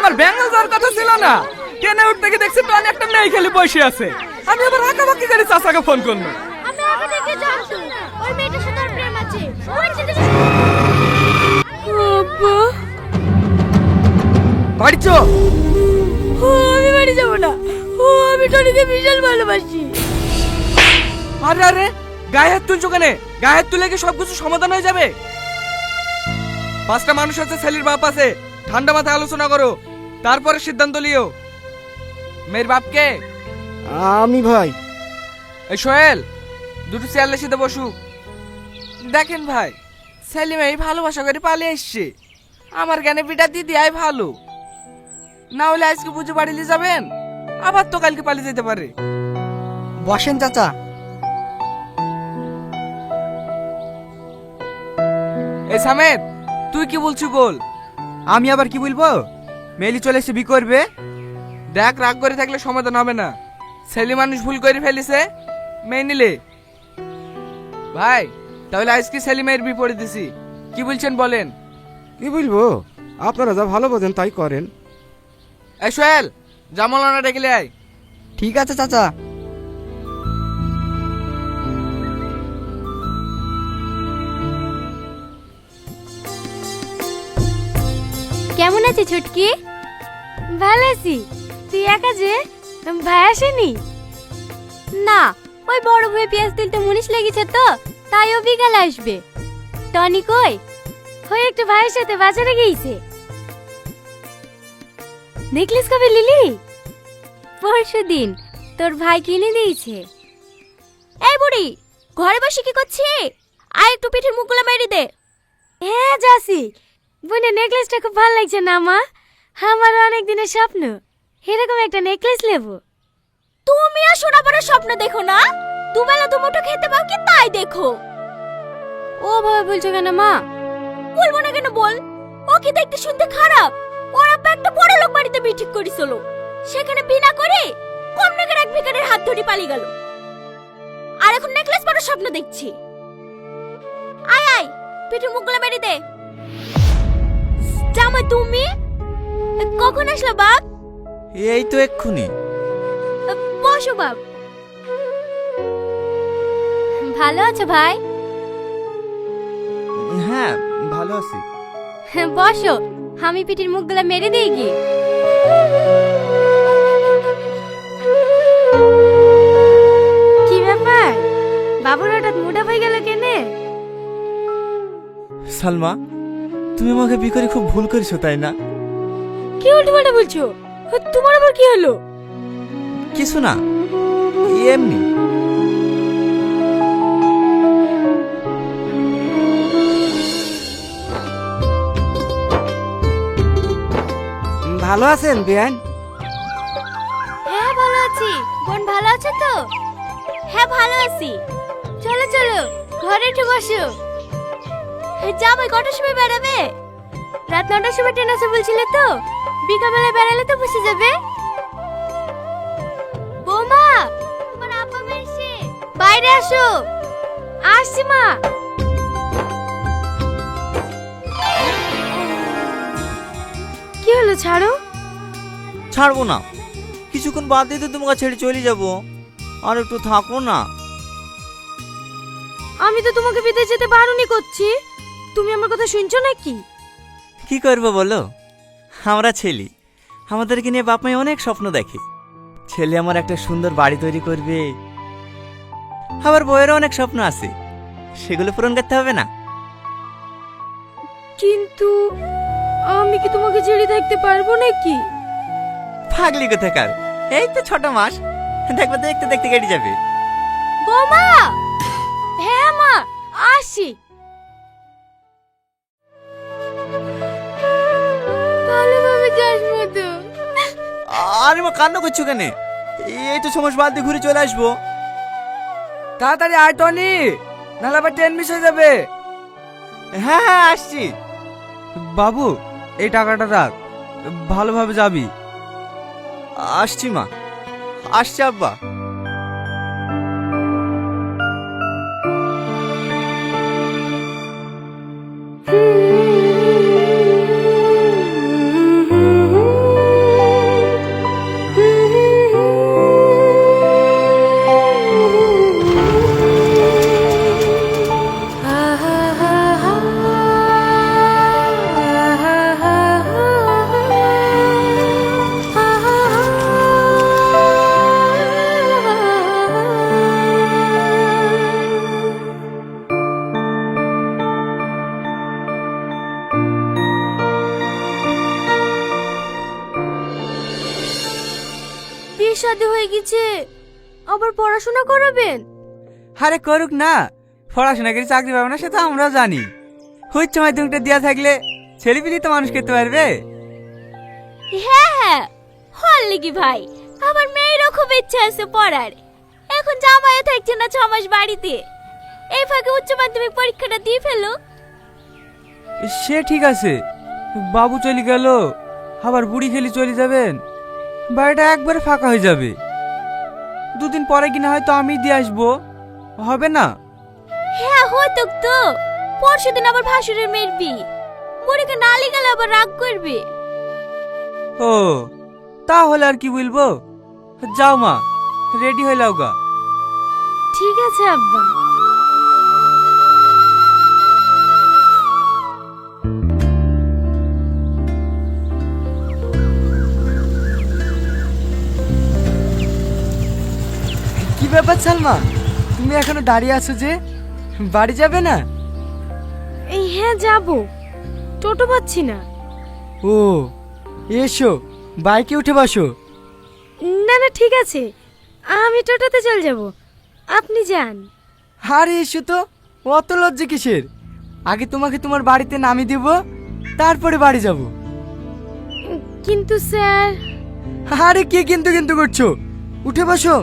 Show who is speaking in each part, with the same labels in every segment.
Speaker 1: আমার ব্যাঙ্গল যাওয়ার কথা ছিল না। ট্রেনে উঠতে গিয়ে দেখছি তো একটা মেয়ে খালি বসে আছে। আমি আবার আঁকাবাকি করে চাচাকে ফোন করলো।
Speaker 2: আমি আগে থেকে জানতো ওই মেয়েটার সাথে ওর প্রেম আছে। ওই ছেলে আব্বা
Speaker 1: বাড়ি চ।
Speaker 2: আমি বাড়ি যাব না। আমি টনিকে বিশাল ভালোবাসি।
Speaker 1: আরে আরে গায়ে হাত তুলছো কেন? গায়ে হাত তুলে কি সবকিছু সমাধান হয়ে যাবে? পাঁচটা মানুষ আছে, ছেলের বাপ আছে, ঠান্ডা মাথায় আলোচনা করো, তারপরে সিদ্ধান্ত লিও। মেয়ের বাপকে?
Speaker 3: আমি ভাই।
Speaker 1: এই সোহেল, দুটো চেয়ারের সাথে বসু। দেখেন ভাই, ছেলে মেয়ে ভালোবাসা করে পালিয়ে এসছে। আমার জ্ঞানে বিটা দিদি আয় ভালো, না হলে আজকে পুজো বাড়িলে যাবেন, আবার তো কালকে পালিয়ে যেতে পারে।
Speaker 3: বসেন চাচা।
Speaker 1: এই সামেদ, তুই কি বলছিস বল।
Speaker 3: আমি আবার কি বলবো? মেলি চলে এসে বি করবে।
Speaker 1: দেখ, রাগ করে থাকলে সমাধান হবে না। ছেলে মানুষ ভুল করে ফেলেছে, মেয়ে নিলে। ভাই তাহলে আজকে ছেলে মেয়ের বিপরীত দিছি, কি বলছেন বলেন।
Speaker 3: কি বলবো, আপনারা যা ভালো বোঝেন তাই করেন।
Speaker 1: এই সোহেল, জামালানা ডেকে আয়।
Speaker 3: ঠিক আছে চাচা।
Speaker 2: কেমন আছে ছুটকি? ভালো আছি। তুই একা যে, ভাই আসেনি? না, ওই বড় ভাই পেঁয়াজ তুলতে মুনিশ লেগেছে তো, তাই ও বিকালে আসবে। টনি কই? ওই একটু ভাইয়ের সাথে বাজারে গিয়েছে। নেকলেস কবে লিলি? পরশুদিন তোর ভাই কিনে দিয়েছে। এই বুড়ি, ঘরে বসে কি করছিস? আয় একটু পিঠের মুখগুলো মেরে দে। হ্যাঁ যাসি। বোনের নেকলেসটা খুব ভালো লাগছে না মা? আমার অনেক দিনের স্বপ্ন এরকম একটা নেকলেস নেব। তুমি আর সোনা পরে স্বপ্ন দেখো না, দুবেলা দুমুঠো খেতে পাও কি তাই দেখো। ও ভাবে বলছো কেন মা? বলবো না কেন বল। ও কি দেখতে শুনতে খারাপ? ওর আব্বা একটা বড় লোক বাড়িতে বিয়ে ঠিক করেছিল, সেখানে বিনা করে কম টাকার এক ভিখারির হাত ধরে পালিয়ে গেল। আর এখন নেকলেস পরার স্বপ্ন দেখছি। আয় আয়, পিঠের মুখগুলো মেরে দে। জামাই তুমি কখন আসলো বাপ?
Speaker 4: এই তো এক্ষুনি।
Speaker 2: বসো বাপ। ভালো আছো ভাই?
Speaker 4: হ্যাঁ ভালো আছি।
Speaker 2: বসো, আমি পিঠের মুখগুলো মেরে দিই কি? কি ব্যাপার, বাবুর হঠাৎ মোটা হয়ে গেল কেনে?
Speaker 4: সালমা, তুমি আমাকে বিয়ে করে খুব ভুল করেছো তাই না?
Speaker 2: কি উল্টোপাল্টা বলছো? তোমার আবার কি হলো?
Speaker 4: কিছু না, এমনি।
Speaker 3: ভালো আছেন বিয়ান?
Speaker 2: হ্যাঁ ভালো আছি। বোন ভালো আছে তো? হ্যাঁ ভালো আছি। চলো চলো ঘরে একটু বসো। যাবো, কটার সময় বেড়াবে? রাত 9টার সময় ট্রেন আছে বলছিলে তো, বিকালবেলা বেড়ালে তো বসে যাবে। বৌমা, তোমার আব্বা এসে বাইরে আসো। আসছি মা। কি হলো, ছাড়ো।
Speaker 4: ছাড়বো না, কিছুক্ষণ বাদ দিয়ে তো তোমাকে ছেড়ে চলে যাবো। আর একটু থাকো না।
Speaker 2: আমি তো তোমাকে বিদেশ যেতে বারণই করছি, তুমি আমার কথা শুনছো নাকি?
Speaker 4: কি করবো বলো, আমরা ছেলে, আমাদেরকে নিয়ে বাপ মাই অনেক স্বপ্ন দেখে। ছেলে আমার একটা সুন্দর বাড়ি তৈরি করবে, আবার বইয়েরও অনেক স্বপ্ন আছে, সেগুলো পূরণ করতে হবে না?
Speaker 2: কিন্তু আমি কি তোমাকে ছেড়ে থাকতে পারবো নাকি?
Speaker 4: পাগলি কোথাকার, এই তো 6 মাস, দেখবে দেখতে দেখতে কেটে যাবে।
Speaker 2: বৌমা। হ্যাঁ মা, আসি। ভালোভাবে যাস মতো।
Speaker 4: আরে মা, কান্না করছো কেন? এই তো 6 মাস বাদ দিয়ে ঘুরে চলে আসবো।
Speaker 1: তাড়াতাড়ি আয় টনি, নাহলে আবার ট্রেন মিস হয়ে যাবে।
Speaker 4: হ্যাঁ হ্যাঁ আসছি।
Speaker 1: বাবু, এই টাকাটা রাখ, ভালোভাবে যাবি।
Speaker 4: আসছি মা, আসছি আব্বা।
Speaker 2: শাদী হয়ে গেছে, আবার পড়াশোনা করাবেন?
Speaker 4: আরে করুক না, পড়াশোনা করে চাকরি পাবে না সেটা আমরাও জানি। উচ্চ মাধ্যমিকটা দেওয়া থাকলে ছেলেপিলি তো মানুষ করতে পারবে।
Speaker 2: হ্যাঁ হ্যাঁ, হল লিগি ভাই, আমার মেয়েরও খুব ইচ্ছা আছে পড়ার। এখন জামাইও থাকছে না 6 মাস বাড়িতে, এই ফাঁকে উচ্চ মাধ্যমিক পরীক্ষাটা দিয়ে ফেলো।
Speaker 5: সে ঠিক আছে, বাবু চলে গেল, আবার বুড়ি খেলি চলে যাবেন, বাড়িটা একবারে ফাঁকা হয়ে যাবে। দুদিন পরে কিনা হয়তো আমি দিয়ে আসবো, হবে না?
Speaker 2: হ্যাঁ হতো তো, পরশুদিন আবার ভাসুরের মেয়ের বিয়ে, বুড়িকে নালি গেলে আবার রাগ করবে।
Speaker 5: ও তাহলে আর কি বলবো, যাও মা, রেডি হয়ে লাও গা।
Speaker 2: ঠিক আছে আব্বা।
Speaker 1: কি ব্যাপার সালমা, তুমি এখনো দাঁড়িয়ে আছো যে, বাড়ি যাবে না?
Speaker 2: এই হ্যাঁ যাব, টোটো পাচ্ছি না।
Speaker 1: ও এসো, বাইকে উঠে বসো।
Speaker 2: না না ঠিক আছে, আমি টোটোতে চলে যাব, আপনি যান।
Speaker 1: আরে এসো তো, অত লজ্জা কিসের? আগে তোমাকে তোমার বাড়িতে নামিয়ে দেব, তারপরে বাড়ি যাব।
Speaker 2: কিন্তু স্যার।
Speaker 1: আরে কে কিন্তু কিন্তু করছো, উঠে বসো।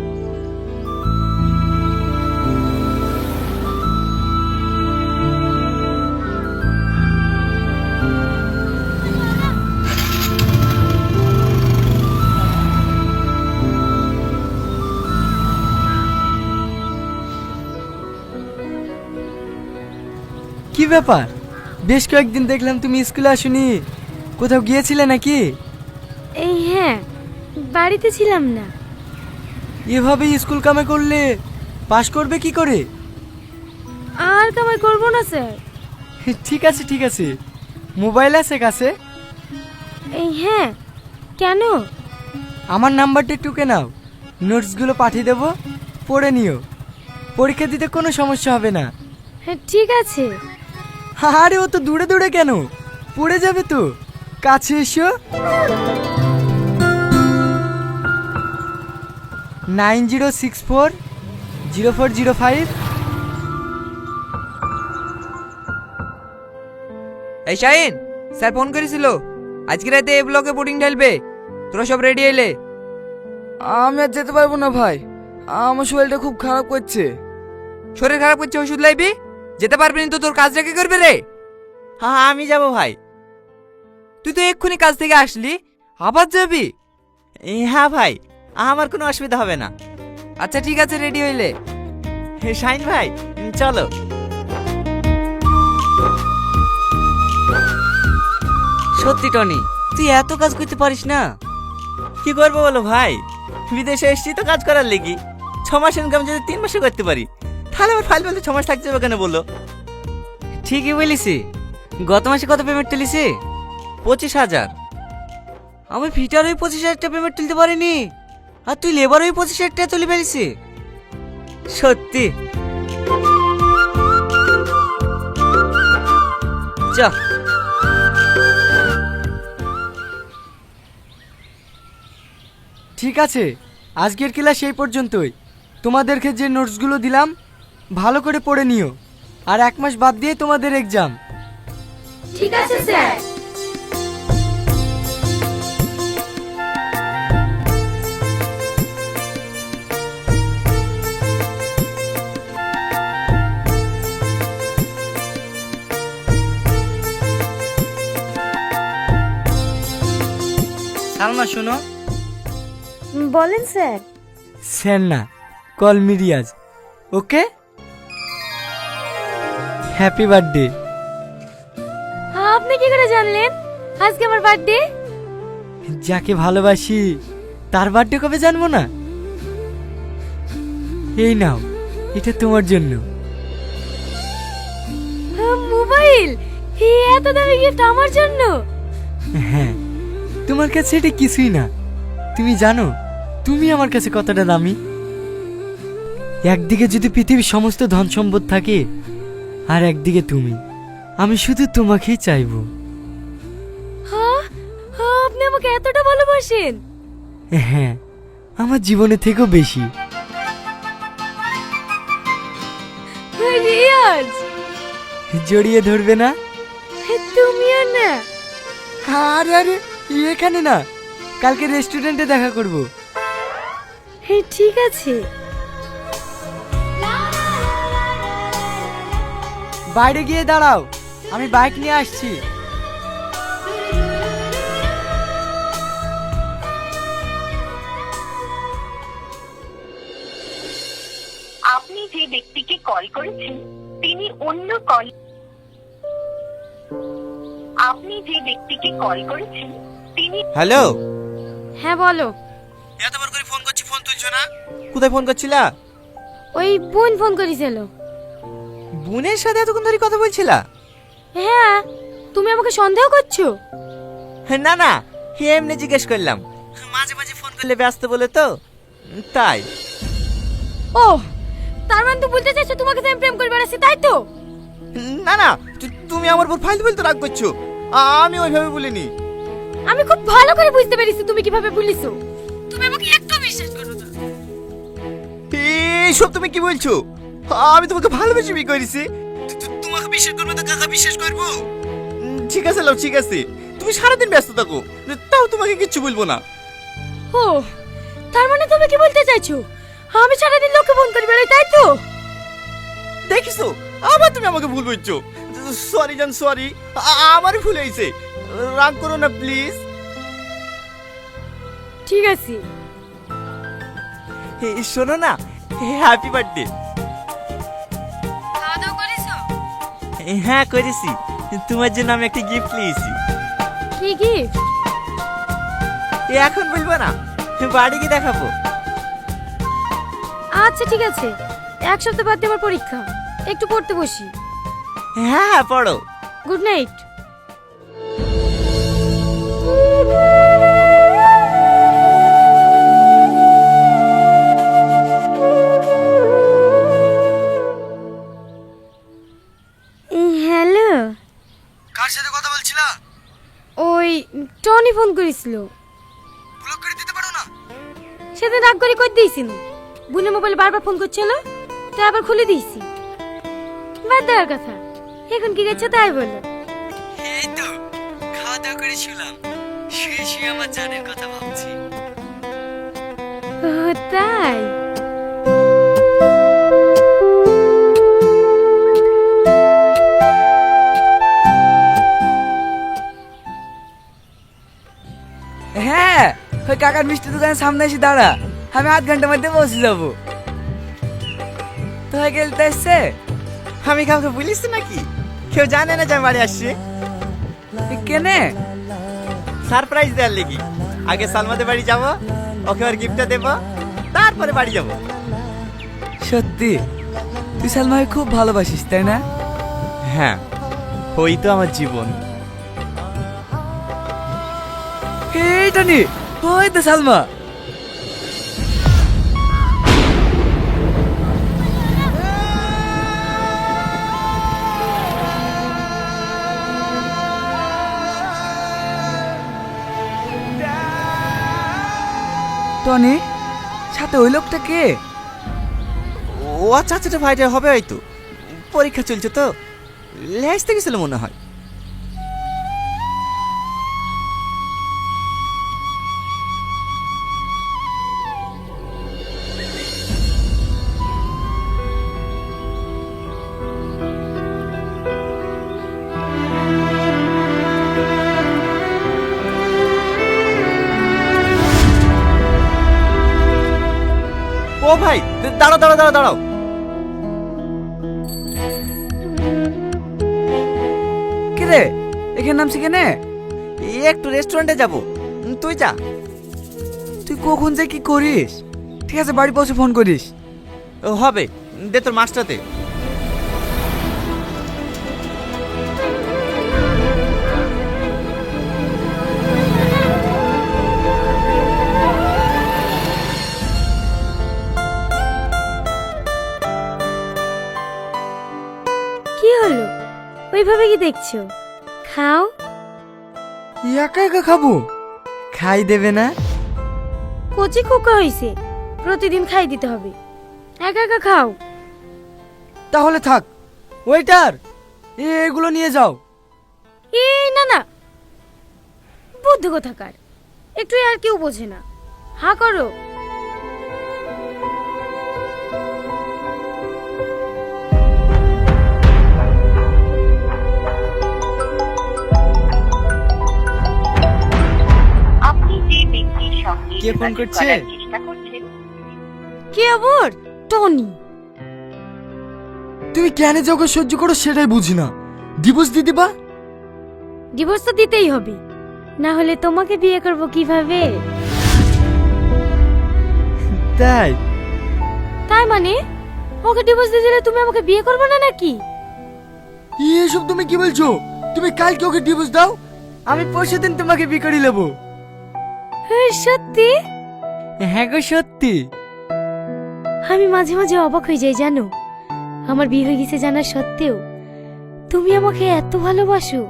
Speaker 1: কি ব্যাপার, বেশ কয়েকদিন দেখলাম তুমি স্কুলে আসোনি, কোথাও গিয়েছিলে নাকি?
Speaker 2: এই হ্যাঁ, বাড়িতে ছিলাম না।
Speaker 1: এভাবে স্কুল কামে করলে পাশ করবে কি করে?
Speaker 2: আর কামাই করবো না স্যার।
Speaker 1: ঠিক আছে ঠিক আছে, মোবাইল আছে কাছে?
Speaker 2: এই হ্যাঁ, কেন?
Speaker 1: আমার নাম্বারটা টুকে নাও, নোটসগুলো পাঠিয়ে দেবো, পড়ে নিও, পরীক্ষা দিতে কোনো সমস্যা হবে না।
Speaker 2: হ্যাঁ ঠিক আছে।
Speaker 1: আরে ও তো দূরে দূরে কেন, পড়ে যাবে তো, কাছে এসো। 90640405।
Speaker 6: এই শাহিন, স্যার ফোন করেছিল, আজকে রাতে এই ব্লকে বোর্ডিং ঢালবে, তোরা সব রেডি এলে।
Speaker 1: আমি আর যেতে পারবো না ভাই, আমার শরীরটা খুব খারাপ করছে।
Speaker 6: শরীর খারাপ করছে, ওষুধ লাইবি, যেতে পারবি না তো তোর কাজটা কে করবে রে?
Speaker 4: হ্যাঁ আমি যাব ভাই।
Speaker 6: তুই তো এক্ষুনি কাজ থেকে আসলি, আবার যাবি?
Speaker 4: হ্যাঁ ভাই, আমার কোনো অসুবিধা হবে না।
Speaker 6: আচ্ছা ঠিক আছে, রেডি হইলে।
Speaker 4: শাইন ভাই চলো।
Speaker 6: সত্যি টনি, তুই এত কাজ করতে পারিস না?
Speaker 4: কি করবো বলো ভাই, বিদেশে এসেছি তো কাজ করার লেগে। 6 মাস ইনকাম যদি 3 মাসে করতে পারি, তাহলে আমার ফাইল বলতে 6 মাস থাকতে হবে কেন বলো?
Speaker 6: ঠিকই বলিসি। গত মাসে কত পেমেন্ট তুলিসি?
Speaker 4: 25,000।
Speaker 6: আমি ফিটার ওই 25,000 টাকা পেমেন্ট তুলতে পারিনি, আর তুই লেবার ওই 25,000 টাকা তুলে ফেলিসি। সত্যি চ।
Speaker 1: ঠিক আছে, আজকের ক্লাস এই পর্যন্তই। তোমাদেরকে যে নোটসগুলো দিলাম ভালো করে পড়ে নিও, আর 1 মাস বাদ দিয়ে তোমাদের এক্সাম।
Speaker 2: ঠিক আছে স্যার।
Speaker 1: সালমা শোনো।
Speaker 2: বলেন স্যার।
Speaker 1: স্যার না, call me Riaz, okay? Happy birthday.
Speaker 2: আপনি কি করে জানলেন আজকে আমার বার্থডে?
Speaker 1: যাকে ভালোবাসি তার বার্থডে কবে জানবো না? এই নাও, এটা তোমার জন্য।
Speaker 2: মোবাইল? এত দামি গিফট আমার জন্য?
Speaker 1: হ্যাঁ, তোমার কাছে এটা কিছুই না। তুমি জানো তুমি আমার কাছে কতটা দামি? একদিকে যদি পৃথিবীর সমস্ত ধন সম্পদ থাকে, আর একদিকে তুমি, আমি শুধু তোমাকেই চাইবো।
Speaker 2: হ্যাঁ, আপনি আমাকে এতটা ভালোবাসেন?
Speaker 1: হ্যাঁ,
Speaker 6: আমার জীবনের থেকেও বেশি।
Speaker 2: রিয়াজ,
Speaker 6: জড়িয়ে ধরবে না?
Speaker 2: তুমিও না।
Speaker 6: আরে আরে, এখানে না, কালকে রেস্টুরেন্টে দেখা করব।
Speaker 2: ঠিক আছে।
Speaker 6: বাইরে গিয়ে দাঁড়াও, আমি বাইক নিয়ে আসছি।
Speaker 7: আপনি যে ব্যক্তিকে কল করেছেন তিনি অন্য কল আপনি যে ব্যক্তিকে কল করেছেন তিনি
Speaker 4: হ্যালো,
Speaker 2: হ্যাঁ বলো।
Speaker 4: এতবার করে ফোন করছি, ফোন তুলছো না। কোথায় ফোন করছিলা?
Speaker 2: ওই বোন ফোন করেছিল।
Speaker 4: বোনের সাথে এতক্ষণ ধরে কথা বলছিলা?
Speaker 2: হ্যাঁ, তুমি আমাকে সন্দেহ করছো?
Speaker 4: না না, এমনি জিজ্ঞেস করলাম। মাঝে মাঝে ফোন করলে ব্যস্ত বলে তো, তাই।
Speaker 2: ও, তার মানে তো বলতে চাইছো তোমাকে তো আমি প্রেম করে বেড়াচ্ছি, তাই তো?
Speaker 4: না না, তুমি আমার উপর ফাইল বলতে রাগ করছো। আমি ওইভাবে বলিনি।
Speaker 2: আমি খুব ভালো করে বুঝতে পেরেছি তুমি কিভাবে বলিছো। তুমি আমাকে একটু বিশ্বাস করো না।
Speaker 4: এইসব তুমি কি বলছো? আমি তোমাকে ভালোবেসে বিয়ে করেছি। তোমাকে বিশ্বাস করবো তো কাকা বিশ্বাস করবো? ঠিক আছে লাও, ঠিক আছে, তুমি সারাদিন ব্যস্ত থাকো, তাও তোমাকে কিচ্ছু বলবো না।
Speaker 2: ও, তার মানে তুমি কি বলতে চাইছো আমি সারাদিন লোককে ফোন করে বেড়াই, তাই তো?
Speaker 4: দেখিছো, আবার তুমি আমাকে ভুল বলছো। সরি জান, সরি, আমারই ভুল হয়েছে, রাগ করো না প্লিজ।
Speaker 2: ঠিক আছে।
Speaker 4: শোনো না, হ্যাপি বার্থডে।
Speaker 2: খাওয়া দাওয়া করেছো?
Speaker 4: হ্যাঁ করেছি, তোমার জন্য আমি একটা গিফট নিয়েছি।
Speaker 2: কি গিফট?
Speaker 4: এখন বলবো না, বাড়ি গিয়ে দেখাবো।
Speaker 2: আচ্ছা ঠিক আছে, এক সপ্তাহ বাদ দিয়ে আমার পরীক্ষা, একটু পড়তে বসি।
Speaker 4: হ্যাঁ হ্যাঁ, পড়ো।
Speaker 2: Good night. হ্যালো,
Speaker 6: কার সাথে কথা বলছিলা?
Speaker 2: ওই টনি ফোন করেছিল।
Speaker 6: ব্লক করে দিতে পারো না?
Speaker 2: সেদিন রাগ করে কই দিয়েছি না, বোনের মোবাইলে বারবার ফোন করছিল, তাই আবার খুলে দিয়েছি। বাদ দেওয়ার কথা, এখন কি গেছে তাই বলো।
Speaker 6: এই তো খাওয়া দাওয়া করে শুলাম, শুয়ে শুয়ে আমার জানের কথা ভাবছি।
Speaker 2: ও তাই?
Speaker 1: হ্যাঁ, ওই কাকার মিষ্টি দোকানের সামনে এসে দাঁড়া, আমি আধ ঘন্টার মধ্যে পৌঁছে যাবো। তো হয়ে গেলতে এসছে?
Speaker 4: আমি কাউকে বলিস নাকি? কেউ জানে না যে আমি বাড়ি আসছি।
Speaker 1: কেনে?
Speaker 4: সারপ্রাইজ দেওয়ার লেগে। আগে সালমাদের বাড়ি যাব, ওকে আর গিফটটা দেব, তারপরে বাড়ি যাব।
Speaker 1: সত্যি তুই সালমাকে খুব ভালোবাসিস, তাই না?
Speaker 4: হ্যাঁ, ওই তো আমার জীবন।
Speaker 1: এইটা নি, ওই তো সালমা। টনি, সাথে ওই লোকটা কে?
Speaker 4: ও আচ্ছা আচ্ছা, ভাইটা হবে হয়তো, পরীক্ষা চলছে তো, লেসতে গেছিল মনে হয়। ও ভাই, দাঁড়াও দাঁড়াও দাঁড়াও দাঁড়াও।
Speaker 1: কি রে, এখানে নামছি কেনে?
Speaker 4: একটু রেস্টুরেন্টে যাব, তুই যা।
Speaker 1: তুই কখন যে কি করিস? ঠিক আছে, বাড়ি পৌঁছে ফোন করিস।
Speaker 4: ও হবে, দে তোর মাছটাতে।
Speaker 2: কি হলো, ওইভাবে কি দেখছো? খাও।
Speaker 1: একা একা খাবো?
Speaker 6: খাই দেবে না?
Speaker 2: কচি খোকা হয়েছে, প্রতিদিন খাই দিতে হবে। একা একা খাও।
Speaker 6: তাহলে থাক। ওয়েটার, এগুলো নিয়ে যাও।
Speaker 2: এই না না, বুদ্ধি কোথাকার, একটু আর কেউ বোঝে না। হা করো।
Speaker 7: আপনি যে ব্যক্তির সঙ্গে
Speaker 6: কে ফোন
Speaker 7: যোগাযোগ
Speaker 6: করছে?
Speaker 7: করার চেষ্টা করছেন
Speaker 2: কে আবার? টনি।
Speaker 6: তুমি কেন যে ওকে সহ্য করো সেটাই বুঝি না। ডিভোর্স দিয়ে দিবা?
Speaker 2: ডিভোর্স তো দিতেই হবে, না হলে তোমাকে বিয়ে করব কিভাবে?
Speaker 6: তাই?
Speaker 2: তাই মানে ওকে ডিভোর্স দিয়ে দিলে তুমি আমাকে বিয়ে করবে না নাকি?
Speaker 6: এসব তুমি কি বলছো? তুমি কালকে ওকে ডিভোর্স দাও, আমি পরশু দিন তোমাকে বিয়ে করে নেবো।
Speaker 2: সত্যি?
Speaker 6: হ্যাঁ গো সত্যি।
Speaker 2: আমি মাঝে মাঝে অবাক হয়ে যাই জানো, আমার বিয়ে হয়ে গেছে জানার সত্ত্বেও তুমি আমাকে এত ভালোবাসো।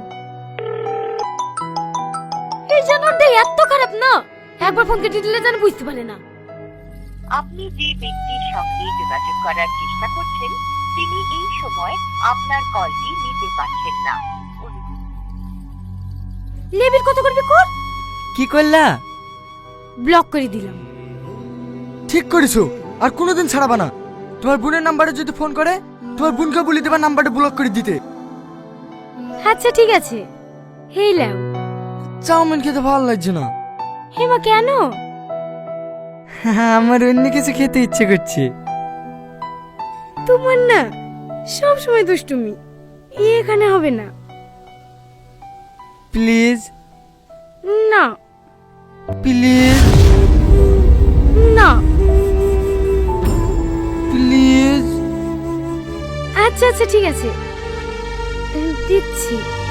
Speaker 2: এই জানোয়ারটা এত খারাপ না, একবার ফোন কেটে দিলে যেন বুঝতে পারে না।
Speaker 7: আপনি যে ব্যক্তির সঙ্গে যোগাযোগ করার চেষ্টা করছেন তিনি এই সময় আপনার কলটি নিতে পারছেন না।
Speaker 2: লেবির কত করবি কর।
Speaker 6: কি করলা?
Speaker 2: ব্লক করে দিলাম।
Speaker 6: ঠিক করেছো, আর কোনোদিন ছাড়াবা না। তোমার বোনের নাম্বারে যদি ফোন করে তোমার বোনকে বলে দেবা নাম্বারটা ব্লক করে দিতে।
Speaker 2: আচ্ছা ঠিক আছে। হেই লাও।
Speaker 6: চাউমিন খেতে ভালো লাগছে না।
Speaker 2: হেমা কেন?
Speaker 6: আমার অন্য কিছু খেতে ইচ্ছে করছে।
Speaker 2: তোমার না সব সময় দুষ্টুমি, এখানে হবে না।
Speaker 6: প্লিজ
Speaker 2: না
Speaker 6: প্লিজ
Speaker 2: না।
Speaker 6: প্লিজ।
Speaker 2: আচ্ছা আচ্ছা ঠিক আছে, দিচ্ছি।